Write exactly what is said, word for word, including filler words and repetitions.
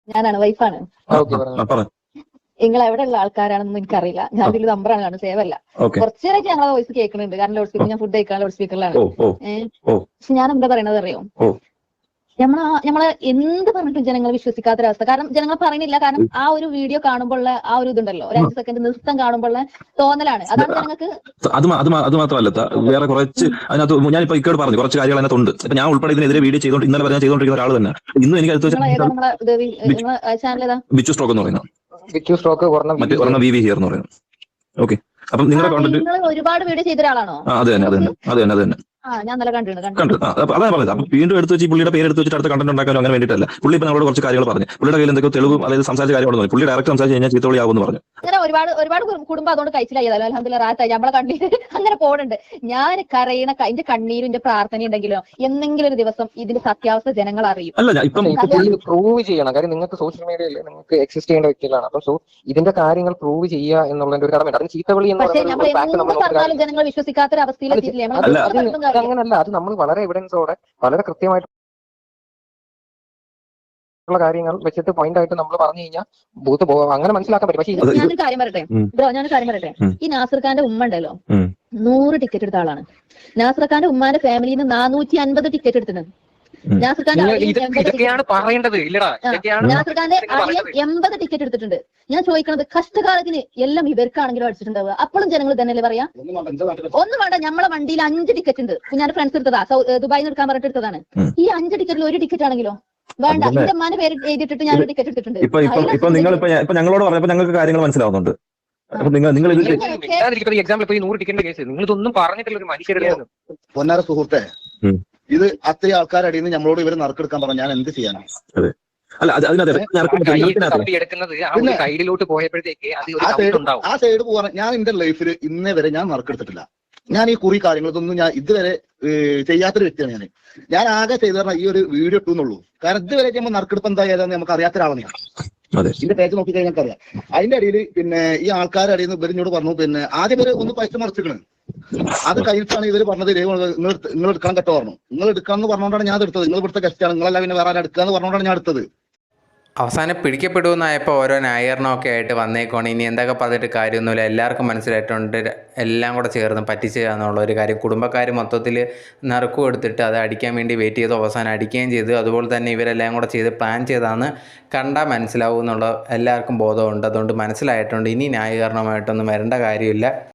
ഞാനാണ് വൈഫാണ്. ആ, ഓക്കെ ആ, പറഞ്ഞു. ആ, പറ. നിങ്ങൾ എവിടെയുള്ള ആൾക്കാരാണെന്നൊന്നും എനിക്കറിയില്ല. ഞാൻ ആ, ഇതിൽ നമ്പറാണ് കാണുന്നത്, സേവ് അല്ല. ഓക്കെ. കുറച്ചു നേരമായിട്ട് ഞങ്ങളെ വോയിസ് കേൾക്കുന്നുണ്ട്. കാരണം ലൗഡ് ഓ സ്പീക്കർ, ഞാൻ ഫുഡ് കഴിക്കാൻ ലൗഡ് സ്പീക്കറിലാണ്. ഓ ഓ ഏഹ് ഓ പക്ഷെ ഞാൻ എന്താ പറയണത് അറിയോ? ഓ നമ്മളെ നമ്മളെ എന്ത് പറഞ്ഞിട്ടും ജനങ്ങൾ വിശ്വസിക്കാത്തൊരവസ്ഥ. കാരണം ജനങ്ങൾ പറയണില്ല. കാരണം ആ ഒരു വീഡിയോ കാണുമ്പോൾ ആ ഒരു ഇതുണ്ടല്ലോ, ഒരു ആ, അഞ്ച് സെക്കൻഡ് നൃത്തം കാണുമ്പോൾ തോന്നലാണ്. ഇത് അതാണ് ജനങ്ങൾക്ക്. അത് മാ- അത് മാ- അത് മാത്രമല്ല ത- വേറെ കുറച്ച് ഉം. അതിനകത്ത് ഞാനിപ്പോ ഇക്കോട് പറഞ്ഞു കുറച്ച് കാര്യങ്ങൾ അതിനകത്തുണ്ട്. ഇപ്പൊ ഞാൻ ഉൾപ്പെടെ ഇതിനെതിരെ ഉം. വീഡിയോ ചെയ്തോണ്ട് ഇന്നലെ പറഞ്ഞാൽ ചെയ്തോണ്ടിരിക്കുന്ന ഒരാൾ തന്നെ ഇന്നും എനിക്ക് അടുത്ത് നിങ്ങളെ ഏതാ വെച്ചാൽ നമ്മളെ ഇത് ബിച്ചു നിങ്ങളെ ചാനൽ ഏതാ? ബിച്ചു സ്ട്രോക്ക് എന്ന് പറയുന്നത്, വിച്ചു സ്ട്രോക്ക് ഒരെണ്ണം വി മറ്റേ വി ഹിയർ. ഒരെണ്ണം വി വി ഹിയർ എന്ന് പറയുന്നത്. ഓക്കെ. അപ്പം ആ, നിങ്ങളുടെ കോണ്ടന്റ് നിങ്ങൾ ഒരുപാട് വീഡിയോ ചെയ്ത ഒരാളാണോ ആ അത് തന്നെ അത് ന്യൂസ്? തന്നെ അത് തന്നെ അത് തന്നെ ആ, ഞാൻ നല്ല കണ്ടിട്ടുണ്ട് കണ്ടു. കണ്ടിട്ടുണ്ട്. ആ, അപ്പൊ അതാണ് പറഞ്ഞത്. അപ്പൊ വീണ്ടും എടുത്ത് വെച്ച് ഈ പുള്ളിയുടെ പേര് എടുത്ത് വെച്ചിട്ട് അടുത്ത കണ്ടന്റ് ഉണ്ടാക്കാനോ അങ്ങനെ വേണ്ടിയിട്ടല്ല. പുള്ളി ഇപ്പൊ നമ്മളോട് കുറച്ച് കാര്യങ്ങൾ പറഞ്ഞു. പുള്ളിയുടെ കയ്യിൽ എന്തൊക്കെ തെളിവും ഉം. അതായത് സംസാരിച്ച കാര്യങ്ങളൊന്നും പുള്ളി ഡയറക്റ്റ് സംസാരിച്ച് കഴിഞ്ഞാൽ ചീത്തവിളിയാവുമെന്ന് പറഞ്ഞു. അങ്ങനെ ഒരുപാട് ഒരുപാട് കു- കുടുംബം അതുകൊണ്ട് കഴിച്ചിലായതല്ലോ. അൽഹംദുലില്ലാ റാഹത്തായി. നമ്മളെ കണ്ണീര് അങ്ങനെ പോണുണ്ട്. ഞാൻ കരയണ ക- എന്റെ കണ്ണീരും എന്റെ പ്രാർത്ഥന ഉണ്ടെങ്കിലോ എന്നെങ്കിലും ഒരു ദിവസം ഇതിന്റെ സത്യാവസ്ഥ ജനങ്ങൾ അറിയും. അല്ല ഞാൻ ഇപ്പം പക്ഷെ ഇത് ഇപ്പൊ പുള്ളി പുള്ളി പ്രൂവ് ചെയ്യണം. കാര്യം നിങ്ങൾക്ക് സോഷ്യൽ മീഡിയയിൽ നിങ്ങൾക്ക് എക്സിസ്റ്റ് ചെയ്യേണ്ട വ്യക്തികളാണ്. അപ്പൊ സോ ഇതിന്റെ കാര്യങ്ങൾ പ്രൂവ് ചെയ്യുക എന്നുള്ളതിന്റെ ഒരു കടമയുണ്ട്. അതിന് ചീത്തവിളി എന്ന് പക്ഷെ പറയുന്ന നമ്മൾ ഒരു ഫാക്ട് നമ്മൾ എന്ത് നോക്കിയിട്ട് പറഞ്ഞാലും ജനങ്ങൾ വിശ്വസിക്കാത്തൊരു അല്ല അവസ്ഥയിലെത്തിയിട്ടില്ലേ? നമ്മൾ അത് അല്ല എത്ര അത് പറഞ്ഞിട്ടും അത് കാര്യമില്ല. അങ്ങനല്ല. അത് നമ്മൾ വളരെ എവിഡൻസോടെ വളരെ കൃത്യമായിട്ടുള്ള കാര്യങ്ങൾ വെച്ചിട്ട് പോയിന്റ് ആയിട്ട് നമ്മൾ പറഞ്ഞു കഴിഞ്ഞാൽ ബൂത്ത് പോകും, അങ്ങനെ മനസ്സിലാക്കാൻ പറ്റും. പക്ഷേ ഇത് അത് ഇത് ഞാനൊരു കാര്യം പറയട്ടെ ഉം, ബ്രോ, ഞാനൊരു കാര്യം പറയട്ടെ. ഉം, ഈ നാസർ ഖാന്റെ ഉമ്മ ഉണ്ടല്ലോ, ഉം, നൂറ് ടിക്കറ്റ് എടുത്ത ആളാണ്. നാസർ ഖാന്റെ ഉമ്മാന്റെ ഫാമിലിയിൽ നിന്ന് നാനൂറ്റി അൻപത് ടിക്കറ്റ് എടുത്തിട്ടുണ്ട്. ഉം, നാസർ ഖാന്റെ നിങ്ങൾ അളിയൻ ഇത് എൺപത് ടിക്കറ്റ് ഇതൊക്കെയാണ് എടുത്തിട്ടുണ്ട്. പറയേണ്ടത്. ഇല്ലടാ, ആ, ഇതൊക്കെയാണ് ഉം. നാസർ ഖാന്റെ നിങ്ങൾ അളിയൻ പറയേണ്ടത്. എൺപത് ടിക്കറ്റ് എടുത്തിട്ടുണ്ട്. ഞാൻ ചോദിക്കണത്, കഷ്ടകാലത്തിന് എല്ലാം ഇവർക്കാണെങ്കിലും അടിച്ചിട്ടുണ്ടാവുക. അപ്പോഴും ജനങ്ങൾ തന്നെയല്ലേ പറയാ? ഒന്നും വേണ്ട, നമ്മളെ വണ്ടിയിൽ അഞ്ച് ടിക്കറ്റ് ഉണ്ട്. ഞാൻ ഫ്രണ്ട്സ് എടുത്തതാ, സൗ- ഏ, ദുബായിൽ നിന്ന് എടുക്കാൻ പറഞ്ഞിട്ട് എടുത്തതാണ്. ഉം. ഈ അഞ്ച് ടിക്കറ്റിൽ ഒരു ടിക്കറ്റ് ആണെങ്കിലോ അത് വേണ്ട, തന്നെ എന്റെ അമ്മാന്റെ പേര് എഴുതിയിട്ടിട്ട് ഞാൻ ഇത് ഒരു ടിക്കറ്റ് എടുത്തിട്ടുണ്ട്. ഇപ്പൊ ഇപ്പം അതിൽ ഇപ്പൊ നിങ്ങൾ ഇപ്പൊ ഇപ്പൊ ഞങ്ങളോട് പറഞ്ഞപ്പോ ഞങ്ങൾക്ക് കാര്യങ്ങൾ മനസ്സിലാവുന്നുണ്ട്. ആ, അപ്പൊ നിങ്ങൾ നിങ്ങൾ ഇതിൽ നിങ്ങൾ ഇങ്ങനെയൊക്കെ മിണ്ടാതിരിക്കുന്ന എക്സാമ്പിൾ ഇപ്പൊ ഈ നൂറ് ടിക്കറ്റിന്റെ കേസ് നിങ്ങൾ ഇതൊന്നും പറഞ്ഞിട്ടില്ല ഒരു മനുഷ്യരുടെ ഒന്നും. പൊന്നാര സുഹൃത്തെ, ഉം, ഇത് അത്രയും ആൾക്കാരടിയിൽ നിന്ന് നമ്മളോട് ഇവര് നറുക്കെടുക്കാൻ പറഞ്ഞാൽ ഞാൻ എന്ത് ചെയ്യാനാണ്? അതെ. അല്ല അത് അതിനകത്ത് ഏ? ഞങ്ങൾക്ക് ആ കയ്യിൽ ഇതിനകത്ത് തപ്പി എടുക്കുന്നത് ആ ഒരു പിന്നെ സൈഡിലോട്ട് പോയപ്പോഴത്തേക്ക് അത് ഒരു ആ സൗണ്ട് സൈഡ് ഉണ്ടാവും. ആ സൈഡ് പോകാൻ ഞാൻ എന്റെ ലൈഫിൽ ഇന്നേ വരെ ഞാൻ നറുക്കെടുത്തിട്ടില്ല. ഞാൻ ഈ കുറി കാര്യങ്ങൾ ഇതൊന്നും ഞാൻ ഇതുവരെ ഏഹ്, ചെയ്യാത്തൊരു വ്യക്തിയാണ് ഞാൻ. ഞാൻ ആകെ ചെയ്തു പറഞ്ഞാൽ ഈ ഒരു വീഡിയോ ഇട്ടുന്നുള്ളൂ. കാരണം ഇതുവരെ നമ്മൾ നറുക്കെടുപ്പ് എന്താ ഏതാന്ന് നമുക്ക് അറിയാത്ത ഒരാളാണ് ഞാൻ. അതെ ഇതിന്റെ പേജ് നോക്കി കഴിഞ്ഞാൽ അറിയാം. അതിന്റെ അടിയിൽ പിന്നെ ഈ ആൾക്കാരുടെ അടിയിൽ നിന്ന് ഇവരിനോട് പറഞ്ഞു, പിന്നെ ആദ്യം ഇവര് ഒന്ന് പൈസ മറിച്ചിക്കണ്. അത് കഴിഞ്ഞിട്ടാണ് ഇവര് പറഞ്ഞത്, നിങ്ങൾ നിങ്ങൾ എടുക്കാൻ കേട്ടോ പറഞ്ഞു. നിങ്ങൾ എടുക്കണം എന്ന് പറഞ്ഞുകൊണ്ടാണ് ഞാൻ അത് എടുത്തത്. നിങ്ങൾ ഇവിടുത്തെ ഗസ്റ്റാണ്, നിങ്ങളല്ല പിന്നെ വേറെ ആരും എടുക്കുക എന്ന് പറഞ്ഞുകൊണ്ടാണ് ഞാൻ എടുത്തത്. അവസാനം പിടിക്കപ്പെടുമെന്നായപ്പോൾ ഓരോ ന്യായീകരണമൊക്കെ ആയിട്ട് വന്നേക്കുവാണ്. ഇനി എന്തൊക്കെ പറഞ്ഞിട്ട് കാര്യമൊന്നുമില്ല, എല്ലാവർക്കും മനസ്സിലായിട്ടുണ്ട് എല്ലാം കൂടെ ചേർന്ന് പറ്റിച്ച് എന്നുള്ള ഒരു കാര്യം. കുടുംബക്കാർ മൊത്തത്തിൽ നറുക്കും എടുത്തിട്ട് അത് അടിക്കാൻ വേണ്ടി വെയിറ്റ് ചെയ്തു, അവസാനം അടിക്കുകയും ചെയ്തു. അതുപോലെ തന്നെ ഇവരെല്ലാം കൂടെ ചെയ്ത് പ്ലാൻ ചെയ്താന്ന് കണ്ടാൽ മനസ്സിലാവും എന്നുള്ള എല്ലാവർക്കും ബോധമുണ്ട്. അതുകൊണ്ട് മനസ്സിലായിട്ടുണ്ട്. ഇനി ന്യായീകരണമായിട്ടൊന്നും വരേണ്ട കാര്യമില്ല.